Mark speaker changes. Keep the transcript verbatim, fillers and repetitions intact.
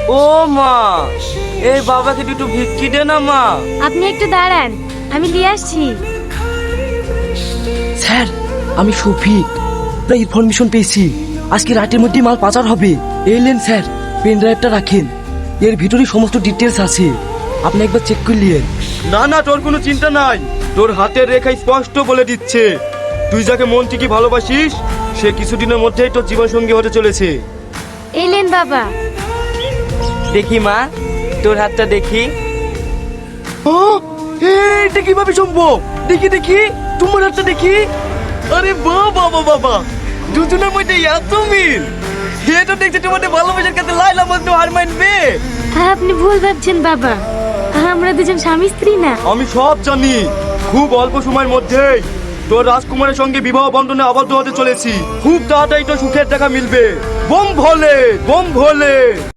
Speaker 1: ও মা, এই বাবাকে দুটো ভিক্ষি দে না মা।
Speaker 2: আপনি একটু দাঁড়ান, আমি নিয়ে আসছি।
Speaker 3: স্যার, আমি শফিক, প্রায় ইনফরমেশন পেয়েছি আজকে রাতের মধ্যে মাল পাচার হবে। এলেন স্যার, পেন ড্রাইভটা রাখেন, এর ভিতরে সমস্ত ডিটেলস আছে, আপনি একবার চেক করলেন।
Speaker 4: না না, তোর কোনো চিন্তা নাই। তোর হাতের রেখা স্পষ্ট বলে দিচ্ছে তুই যাকে মন থেকে ভালোবাসিস সে কিছুদিনের মধ্যেই তোর জীবন সঙ্গী হতে চলেছে।
Speaker 2: এলেন বাবা।
Speaker 1: দেখি মা, তোর হাতটা দেখি।
Speaker 3: ও, এটা কিভাবে সম্ভব? দেখি দেখি তোমার হাতটা দেখি। আরে বাবা বাবা বাবা, দুজনের মধ্যে এত মিল! এটা দেখতে তোমাদের ভালোবাসার কাছে লাইলা বলতে হার মানবে।
Speaker 2: আপনি ভুল ভাবছেন বাবা, আমরা দুজন স্বামী স্ত্রী না।
Speaker 4: আমি সব জানি, খুব অল্প সময়ের মধ্যেই তোর রাজকুমারের সঙ্গে বিবাহ বন্ধনে আবদ্ধ হতে চলেছি। খুব তাড়াতাড়ি তো সুখের দেখা মিলবে। বোম ভোলে, বোম ভোলে।